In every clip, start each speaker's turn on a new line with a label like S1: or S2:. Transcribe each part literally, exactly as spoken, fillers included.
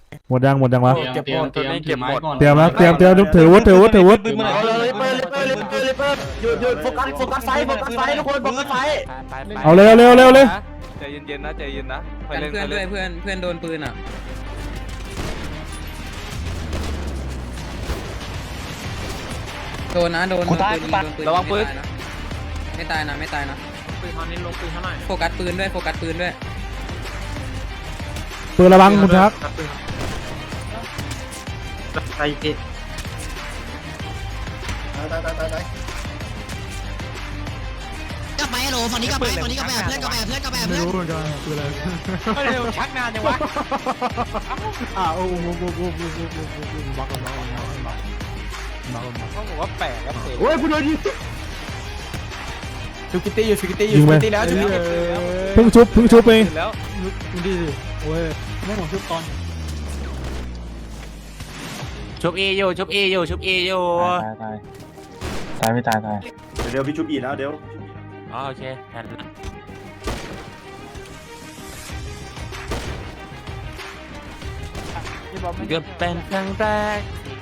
S1: หมดยังหมดยังวะ
S2: เก็บหมดตัวนี้เก็บหมด
S1: เตรียมแล้วเตรียมเตรียมถือวุฒิถือวุฒิถือวุฒิ
S3: เอาเลยเปิดเลยเปิดเลยเปิดเลยเปิดหยุดหยุดโฟกัสโฟกัสไฟโฟกัสไฟทุกคนโฟกัสไฟ
S1: เอาเร็วเร็วเร็วเลย
S2: ใจเย็นๆนะใจเย็นนะ
S4: กันเพื่อนด้วยเพื่อนเพื่อนโดนปืนอ่ะโดนนะโดนโดนปืนยิงโดนปืนระวังปืนไม่ตายนะไม่ตายนะปืนตอนนี้ลงปืนเท่าไหร่โฟกัสปืนด้วยโฟกัสปืนด้วย
S1: ปืนระวังคุณทัก
S3: ไฟติดตายตายตายตาย
S5: กลับไปฮัลโหลฝั่งนี้กลับไปฝั่งนี้กลับไปเพื่อนกลับไปเพื่อนกลับไปเพื่อน
S1: ไม่รู้เหมือนกันปืนอะไร
S2: ไม่ได้ชักนานยังวะ
S1: อ้าวโอ้โหโอ้โหโอ้โหโอ้โหโอ้โหโอ้โหบักบักบักบักบักบัก
S2: เขาบอกว่าแปลกครับ
S3: โอ้ยผู้โดนยิง
S6: ฟิกิตี้อยู่ฟิกิตี้อยู่
S1: ยิง
S6: ฟิ
S1: ไป
S6: กิตี้แล้วฟิกิตี้
S1: เพิ่งชุบเพิ่งชุบไป
S2: แล้ว
S1: ดูดิโอ้ยแม่ของชุบตอน
S7: ชุบเออยู่ชุบเออยู่ชุบเออยู่
S6: ตายตายตายไม่ตายตาย
S3: เดี๋ยวพี่ชุบอีกแล้วเดี๋ยว
S7: อ๋อโอเคแทนเกือบเป็นครั้งแรก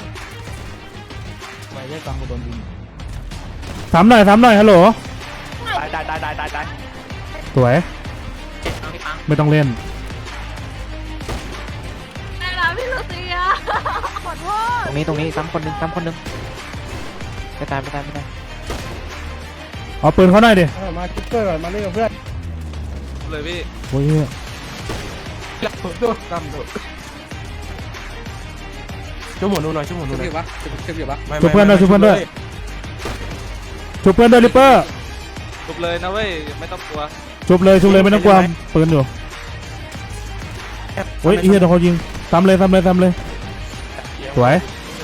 S1: ไปได้ตังกูโดนยิงสามหน่อยสามหน่อยฮัลโหล
S2: ตายตายตายตายตายตาย
S1: สวยไม่ต้องเล่น
S8: ได้แล้วพี่ลูเซียขอโทษ
S6: ตรงนี้ตรงนี้ซ้ำคนนึงซ้ำคนนึงไม่ตายไม่ตายไม่ตาย
S1: เอาปืนเขาหน่อยดิ
S6: มาคิปเปอร์ก่อนมาเล่นกับเพื่อน
S2: เลยพี่
S1: โอ้ย
S6: ช่วยหมุนดูหน่อยช่วยหมุน
S4: ชุ
S6: ดู
S4: บ
S6: หน่
S4: อ
S6: อย
S4: ยู่ปะชุบอยู่ปะ
S1: ชุบเพื่อนด้วยชุบเพื่อนด้วยชุบเพื่อนด้วยริปเปอร์
S2: ทุบเลยนะเว้ยไม่ต้องกลัว
S1: ชุบเลยชุบเลยไม่ต้องกลัวปืนอยู่โอ้ยเฮียโดนเขายิงซ้ำเลยซ้ำเลยซ้ำเลยสวย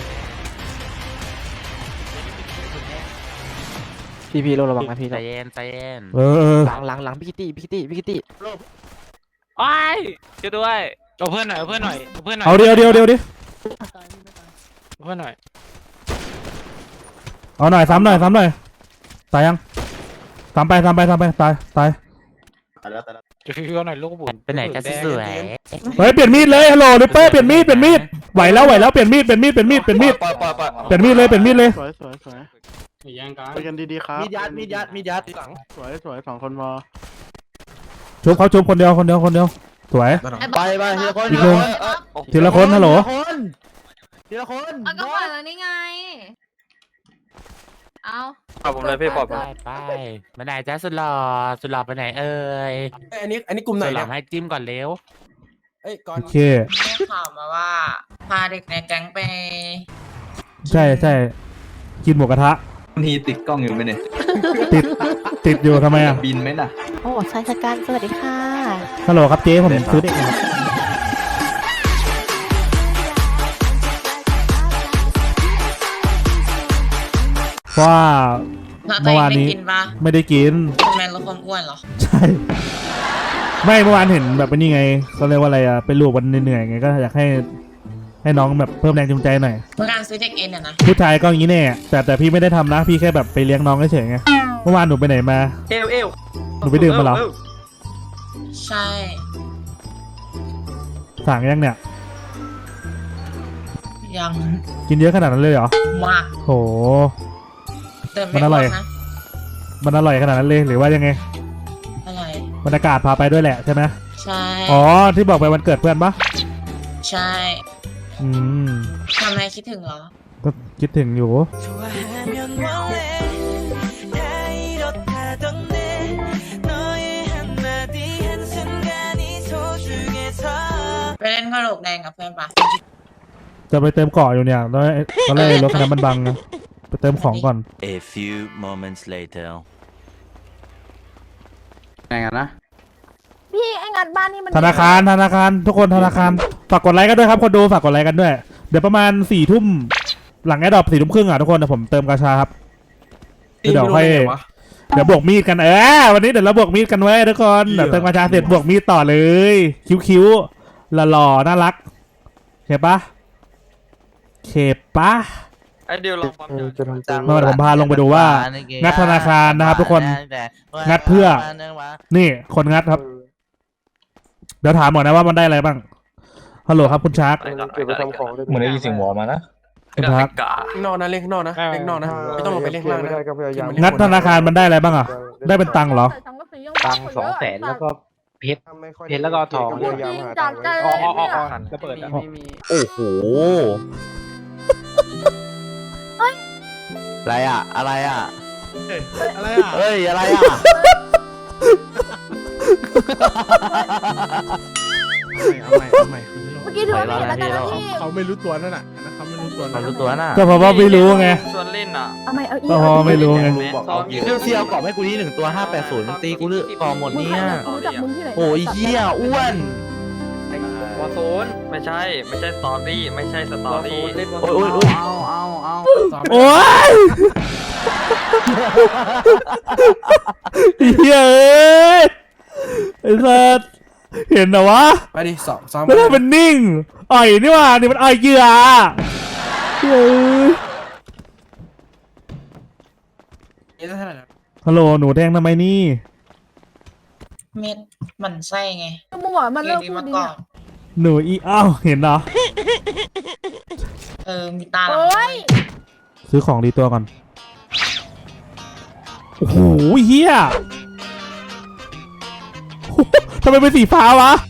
S6: พี่พี่ระวังนะพี่
S7: ใจเย็นใจเย็น
S1: เออเออ
S6: หลังหลังหลังพิกิตี้พิกิตี้พิกิตี้
S2: ไอ้ช่วยด้วย
S4: เอาเพื่อนหน่อยเอาเพื่อนหน่อยเอาเพื่อนหน่อย
S1: เอาเดียวเดียวเดียวดิ
S4: เพื่อนหน่อย
S1: เอาหน่อยซ้ำหน่อยซ้ำหน่อยตายยังซ้ำไปซ้ำไปซ้ำไปตายตาย
S3: ตายแล้วตายแล้ว
S4: จะคิวหน่อยลูกบุญ
S7: ไปไหนกันสวย
S1: เฮ้ยเปลี่ยนมีดเลยฮัลโหลริปเปอร์เปลี่ยนมีดเปลี่ยนมีดไหวแล้วไหวแล้วเปลี่ยนมีดเปลี่ยนมีดเปลี่ยนมีดเปลี่ยนมีด
S2: ปล่อยปล่อยปล่อย
S1: เปลี่ยนมีดเลยเปลี่ยนมีดเลย
S6: สวยสวยสวย
S4: แย่งกัน
S6: ไปกันดีๆครับ
S3: มีดยัดมีดยัดมีดยัด
S6: สวยสวยสองคนพอ
S1: ชุบเขาชุบคนเดียวคนเดียวคนเดียวสวย
S3: ไปไปทีละคน
S1: อีกหนึ่ง ทีละคนฮัลโหล
S3: ทีละคน
S8: เอาก็ปล่อยแล้วนี่ไงเอา
S2: ปล่อยผมเลยพี่ปล่อยผ
S7: ไป
S2: ม
S7: ไปไปไหนจ้าสุดหล่อสุดหล่อไปไหนเอ่ย
S6: อันนี้อันนี้กลุ่มไหน
S7: สุดหล่
S6: เนี่
S7: อย ให้จิ้มก่อนเร็ว
S6: เอ้ยก่อน
S1: โอเค
S5: ได้ข่าวมาว่าพาเด็กในแก๊งไป
S1: ใช่ใช่กินหมูกระทะ
S9: ทีติดกล้องอยู่ไหมเนี่ย
S1: ติดติดอยู่ทำไมอ่ะ
S9: บินไหมน่ะ
S5: โอ้ชายชะกันสวัสดีค่ะ
S1: ฮัลโหลครับเจ๊ผมซื้อเด็กนะครับเพราะว่าเมื่อวานนี้
S5: กินปะ
S1: ไม่ได้กิน
S5: ทำไมลดความอ้วนเหรอ
S1: ใช่ ไม่เมื่อวานเห็นแบบนี้ไงเขาเรียกว่าอะไรอ่ะเป็นลูกวันเหนื่อยๆไงก็อยากให้ให้น้องแบบเพิ่มแรงจูงใจหน่อย
S5: เมื่อการซื้อเด็กเอ็นอะนะ
S1: ผู้ชายก็อย่างนี้แน่แต่แต่พี่ไม่ได้ทำนะพี่แค่แบบไปเลี้ยงน้องเฉยๆไงเมื่อวานหนูไปไหนมา
S2: เอวเอว
S1: หนูไปดื่มมาเหรอ
S5: ใช่
S1: สั่งยังเนี่ย
S5: ยัง
S1: กินเยอะขนาดนั้นเลยเหรอ
S5: มาก
S1: โห
S5: เติม
S1: มันอร่อย
S5: นะ
S1: มันอร่อยขนาดนั้นเลยหรือว่ายังไง
S5: อร่อย
S1: บรรยากาศพาไปด้วยแหละใช่ไหม
S5: ใช่
S1: อ๋อที่บอกไปวันเกิดเพื่อนปะ
S5: ใช่
S1: อืม
S5: ทำไมคิดถึงเหรอ
S1: ก็คิดถึงอยู่
S5: ไปเล่นกระโหลกแดงกับเพื่อนปะ
S1: จะไปเติมเกาะอยู่เนี่ยแล้วตอนแรกรถคันนั้นมันบังนะไปเติมของก่อน
S7: A few moments later
S6: ไงกันนะ
S8: พี่ไอ้งานบ้านนี่มัน
S1: ธนาคารธนาคารทุกคนธนาคารฝากกดไลค์กันด้วยครับคนดูฝากกดไลค์กันด้วยเดี๋ยวประมาณสี่ทุ่มหลังแอดดอปสี่ทุ่มครึ่งอ่ะทุกคนเดี๋ยวผมเติมกาชาครับเดี๋ยวค่อยเดี๋ยวบวกมีดกันเออวันนี้เดี๋ยวเราบวกมีดกันไว้ทุกคนเดี๋ยวเติมกาชาเสร็จบวกมีดต่อเลยคิ้วๆหล่อๆน่ารักเข้ปะเข้ปะ
S2: ไอเดียวลองความเดียว
S6: จะทำจัง
S1: เมื่อวานผมพาลงไปดูว่างัดธนาคารนะครับทุกคนงัดเพื่อนี่คนงัดครับเดี๋ยวถามหน่อยนะว่ามันได้อะไรบ้างฮัลโหลครับคุณชาร์ก
S2: เก็บไปทำของ
S9: เหมือนได้ยินเสียงวอมานะ
S1: คุณชาร์ก
S3: ข้างนอกนะเล่นข้างนอกนะเล่นข้างนอกนะไม่ต้องลงไปเล่นข้างล่างนะ
S1: งัดธนาคารมันได้อะไรบ้างอ่ะได้เป็นตังค์เหรอ
S8: ตังสองแสนแล้วก็
S6: เพชรเพชรแล้วก็ทอง
S8: พูดจริงจากใจเลยเนี่ย
S6: ระเบิดอ่ะ
S3: โอ้โห
S6: อะไรอ่ะอะไรอ่ะ
S3: อะไรอ่ะ
S6: เฮ้ยอะไรอ่ะ
S3: เอาใหม่เอาใหม่
S8: เมื่อกี้ถือว่าไม่เห็นแล้วกันนะพี่
S3: เขาไม่รู้ตัวนั่นน่ะเขาไม่รู้ตัว
S6: มันรู้ตัวน่ะ
S1: ก็เพราะว่าไม่รู้ไง
S2: ชวนเล่นอ่ะ
S8: เอาใหม่เอาอีก
S1: ก็เพราะว่าไม่รู้ไง
S2: ซ้อมอยู่
S6: เรื่องเซียวกรอบให้กูนี่หนึ่งตัวห้าแปดศูนย์ตีกูเลือกกรอบหมดเนี่ย
S8: รู้จักมึงที่ไหน
S6: โอ้ยเหี้ยอ้วน
S2: วอร์โซนไม่ใช่ ไม่ใช่สตอรี่ไม่ใช่สตอรี่เล่นวอร์โซ
S6: โอ้ย
S2: น
S6: โอ้ย
S4: เอาเอาเอา
S1: โอ้ยเฮ้ยไอ้สัสเห็นเหรอวะ
S3: ไปดิสองซ้อม
S1: ไม่ได้เป็นนิ่งอ่อยนี่หว่านี่มันอ่อยเหยื่อเฮ้ย
S3: นี่เท่าไหร่
S1: ฮัลโหลหนูแดงทำไมนี่
S5: เม็ดมันไส้ไง
S8: มึงบอกมันเลิกพูดดี
S5: ก่อ
S8: อ่ะ
S5: น
S1: หนูอีอ้าวเห็นเหรอ
S5: เออมีตา
S8: โอ้ย
S1: ซื้อของดีตัวก่อนโอ้โหเฮียทำไมเป็นสีฟ้าวะ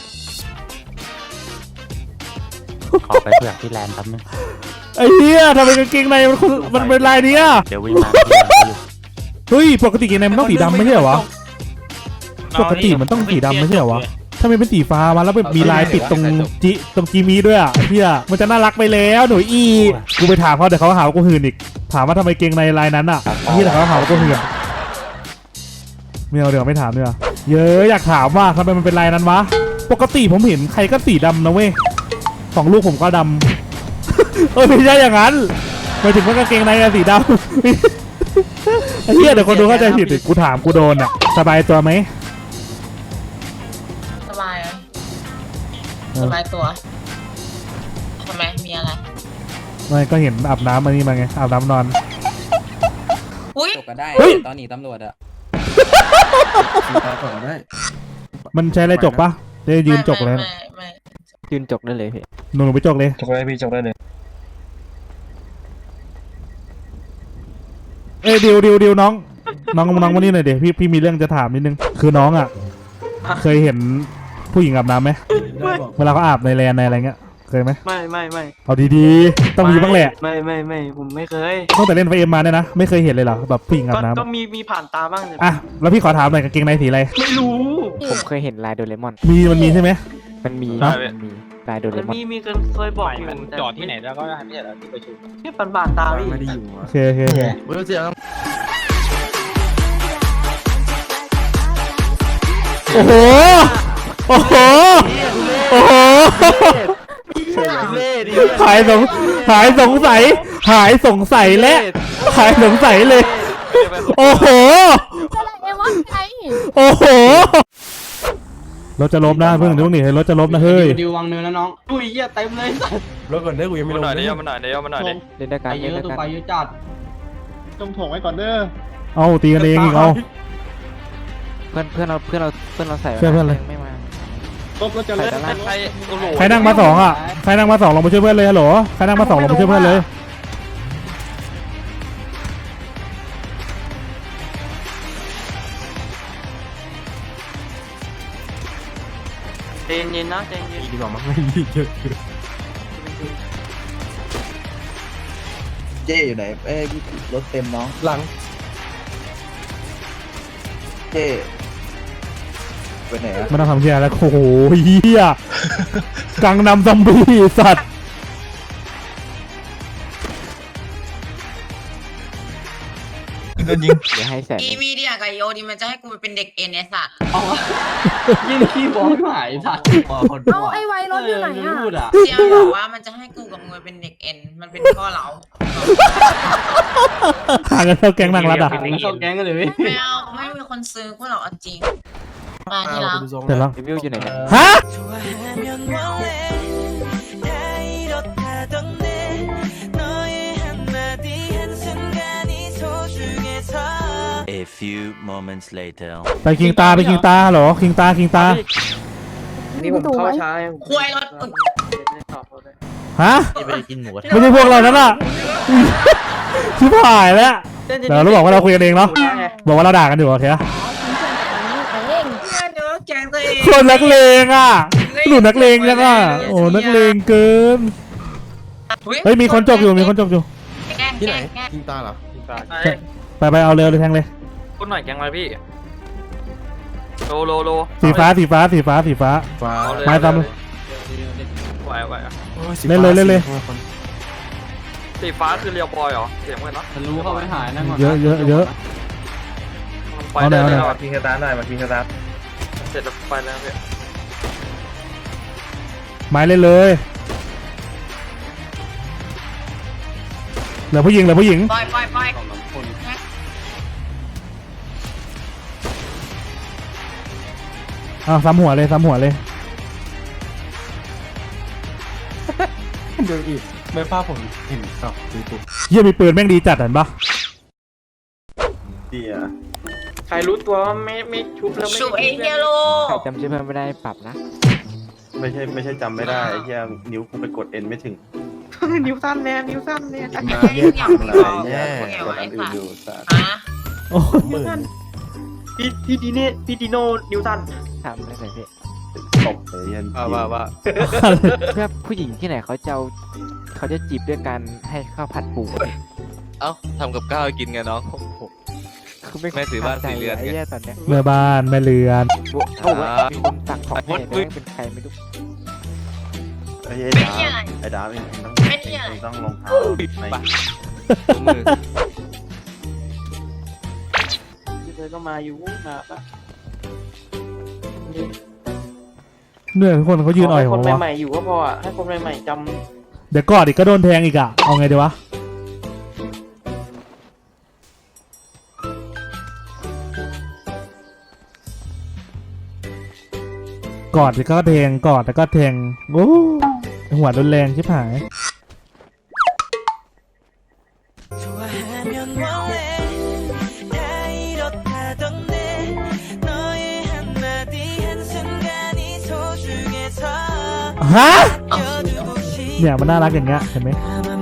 S7: ขอไปเผื่อที่แลนด์แป๊บนึง
S1: ไอ้เฮียทำไมกางเกงในมันคนมันเป็นลายเนี้ย
S7: เดี๋ยววิ่งมาที่แลนด์อยู่
S1: เฮ้ยปกติกางเกงในมันต้องสีดำไม่ใช่เหรอวะปกติมันต้องสีดำไม่ใช่เหรอวะถ้ามันเป็นสีฟ้ามาแล้วแบบมีลายติดตรงจิตรงจีมีด้วยอ่ะเฮียมันจะน่ารักไปแล้วหนูอีกูไปถามเขาเดี๋ยวเขาหาว่ากูหื่นอีกถามว่าทำไมเกงในลายนั้นอ่ะเฮียเดี๋ยวเขาหาว่ากูหื่นไม่เอาเดี๋ยวไม่ถามเนีกว่ยเยอะอยากถามว่าทำไมมันเป็นลายนั้นวะปกติผมเห็นใครก็สีดำนะเว้ยของลูกผมก็ดำ เออไม่ใช่อย่างนั้นหมายถึงว่ากางเกงในอะสีดำ ไอ้เหี้ยเดี๋ยวคนดูเข้าใจผิดอีกกูถามกูโดนอ่ะสบายตัวไหม
S5: สบายไหมสบายตัวทำไมมีอะไร
S1: ไม่ก็เห็นอาบน้ำมานี่มาไงอาบน้ำนอน
S5: อุ้ย
S4: จบก็ได้
S1: เฮ้ย
S4: ตอนหนีตำรวจอะ
S3: ตาก่อนได้
S1: มันใช้อะไรจกปะจะยืนจกเลย
S5: ไม่ไม่
S6: ยืนจกได้เลยพี่
S1: หนูหนูไปจกเลย
S9: จกได้พี่จกได้เลย
S1: เอ้ยดิวดิวดิวน้องน้องน้องมานี่หน่อยเดี๋ยวพี่พี่มีเรื่องจะถามนิดนึงคือน้องอ่ะเคยเห็นผู้หญิงอาบน้ำไหมเวลาเขาอาบในแลนในอะไรเงี้ยเคยไหม
S2: ไม่ไม่ไม่
S1: เอาดีๆต้องมีบ้างแหละ
S2: ไม่ไม่ไม่ผมไม่เคย
S1: ตั้งแต่เล่นไฟเอ็มมาเนี่ยนะไม่เคยเห็นเลยเหรอแบบผู้หญิงอา
S2: ก็
S1: บน้
S2: ก็มีมีผ่านตาบ้างเลย
S1: ำอ่ะแล้วพี่ขอถามหน่อยกางเกงในสีอะไร
S2: ไม่รู้
S6: ผมเคยเห็นลายโดเรมอน
S1: มีมันมีใช่ไหม
S6: มันมี
S1: ฮะ
S6: มันมีลายโดเร
S2: มัน
S6: มอน
S2: มีมีคนเคยบอกอยู่
S7: มันจอดที่ไหนแล้วก็ได้ไม่ใช่เหรอที่ประชุม
S2: แค่ผ่านผ่านตาพี่
S3: ไม่ได้อยู่
S1: โอเคโอเคโอเค
S3: ไม่รู้เสียง
S1: โอ้โหโอ้โหโอ้โหหายสงหายสงสัยหายสงสัยและหายสงสัยเลย โอ้โห
S8: อะไรเอวะไง
S1: โอ้โหรถจะลบนะเพิ่งเดี๋ยวนี่รถจะลบนะเฮ้ย
S4: ดิววางเนินแล้วน้องอุ้ยเหี้ยเต็มเลย
S3: รถก่อนได้กูยังไม่
S2: มา
S3: ลง
S2: หน่อยเดียวมาหน่อยเดียวมาหน่อยเดียว
S6: เล่นด้วยกัน
S4: ไปเย
S6: เล่น
S4: อะ
S6: ด้วย
S4: ตัว
S6: กัน
S4: ไปเยอะจัด
S1: เอาตีกันเองอีกเอา
S6: เพื่อนเพื่อนเราเพื่อนเราเพื่อนเราใส่
S1: เพื่อนเพื่อนเลย
S6: ไม่มา
S2: ครบแล้วจะเล่นใครโอ้โห
S1: ใครนั่งมาสองอ่ะใครนั่งมาสองลงมาช่วยเพื่อนเลยฮัลโหลใครนั่งมาสองลงมาช่วยเพื่อนเลย
S2: เจนเย็นนะเจนเย็น
S3: ดีกว่ามั้งไม่ดีเยอะ
S10: เจ้อยู่ไหนเอ้ยรถเต็มน้อง
S3: หลัง
S10: เจ้ไปไหนอะ
S1: ไม่ต้องทำเชี่ยแล้วโอ้โหเฮียกังนำซอมบี้สัตว์
S9: โดนยิง
S6: เดี๋ยวให้แสน
S5: อีวีเดียกับโยดีมันจะให้กูไปเป็นเด็กเอ็นไอสัตว์
S4: ยี่นี่ขี้บอกหายสัตว์
S8: เอาไอ้ไวรถอยู่ไหนอ่ะ
S4: พูดอ่ะ
S5: เจียบอกว่ามันจะให้กูกับมึงไปเป็นเด็กเอ็นมันเป็นพ่อเรา
S1: ห่างกันเท่าแก๊งนางรัดอ่ะ
S4: เข้าแก๊งกันเลย
S5: ไม่เอาไม่มีคนซื้อกูหรอกเอาจริงมาที่รัก
S1: เสร็จแล้ว
S6: รีวิวอยู่ไหนเนี่ย
S1: ฮะ
S11: A few moments later
S1: ไปคิงตาไปคิงตาเหรอคิงตาคิงตา
S8: พี่ตู่ไว้
S5: คุยรถ
S1: ฮะ
S7: จะไปกินหมูกระทะ
S1: ไม่ใช่พวกเรานั่นน่ะ ชิบหายแล้วเดี๋ยวเราบอกว่าเราคุยกันเองเนาะบอกว่าเราด่ากันอยู่โอเค
S8: ฉันเชื่อแต่นี่เอง
S5: เดี๋ยวแกงตัวเอง
S1: คนนักเลงอ่ะหนูนักเลงจังอ่ะโอ้นักเลงเกินเฮ้ยมีคนจบอยู่มีคนจบอยู่
S5: ที่ไหน
S3: ยิงตาเหรอ
S1: ไปไปเอาเร็วเลยแทงเลย
S2: พูดหน่อยแกงอะไรพี่โลโลโล
S1: สีฟ้าสีฟ้าสีฟ้าสีฟ้า
S3: ฟ้า
S1: ไม้ตำเลย
S2: ไหวไหว
S1: เล่นเลยเล่นเลย
S2: สีฟ้าคือเรียวบอยเหรอเสียงเหมือนเนาะ
S4: รู้เข้าไปหายนั่นก่อน
S1: เยอะเยอะเยอะ
S2: ไปได้
S1: เอาหน่อย
S2: แล้ว
S1: เอาหน่อย
S2: อะ
S9: พิงสตาร์หน่อยมาพิงสตาร์
S2: เสร็จแล้วไปแล้วพี่
S1: ไม้เล่นเลยเหลือผู้หญิงเหลือผู้หญิง
S5: ปล่อยปล่อยปล่อย
S1: อ้าวซ้ำหัวเลยซ้ำหัวเลย
S3: เดี๋ยวอีกไม่ภาพผมเห็นต่อดูตัว
S1: เยี่ยมีปืนแม่งดีจัดเห็นปะ
S9: ดีอ่ะ
S2: ใครรู้ตัวว่าไม่ไม่ชุบแล้วไม่
S5: ชูเอเฮียโล
S6: ใครจำชื่อเพื่อนไม่ได้ปรับนะ
S9: ไม่ใช่ไม่ใช่จำไม่ได้ไอ้เหี้ยนิ้วกูไปกดเอ็นไม่ถึง
S2: นิ้วสั้นแน่นิ้วสั้นแน่
S9: มาเรียกทำอะไรเนี่ยกดอันอื่นอยู่สัตว์
S5: ฮะ
S1: โอ้ย
S9: หมื่น
S2: พี่พี่ดีนี่พี่ดีโน่นิ้วสั้น
S6: ทำได้ไหมพี่
S9: ตบเลยยัน
S3: ว่าว่า
S6: เพื่อผู้หญิงที่ไหนเขาจะเอาเขาจะจีบด้วยการให้ข้าวผัดปู
S10: เอ้าทำกับข้าวกินไงน้อง
S6: คือไม่
S10: แม่ถือบ้านสีเรือนไง
S6: ไอ้เนี่ยตอนเนี้ย
S1: แม่บ้านแม่เรือน
S6: เขาบอกว่ามีคนสั่งของให้แต่ไม่เป็นใครไม่รู้
S9: ไอ้ไอ้
S5: ไม่
S9: ดา
S5: เที่ยอะไร
S9: ไอ้ดาเองต้อง
S5: ไม่เที่ยอะไร
S9: ต้องรองเท้าใน
S10: มือ
S2: เธอก็มาอยู่มาปะ
S1: เหนื่อยทุกคนเขายืนอ่อยผม
S2: คน
S1: วะ
S2: ใหม่ๆอยู่ก็พออ่ะให้คนใหม่ๆจ
S1: เดี๋ยวกอดอีกก็โดนแทงอีกอ่ะเอาไงดีวะกอดแล้วก็แทงกอดแล้วก็แทงโอ้หัวรุนแรงชิบหาย
S11: 좋아하면 원래 다 이렇다던 내 너의 한마디 한순간이 소중해서
S1: ฮะ
S11: 껴두고 싶
S1: เนี่ยมันน่ารักอย่างเงี้ยเห็นไหม
S11: 아마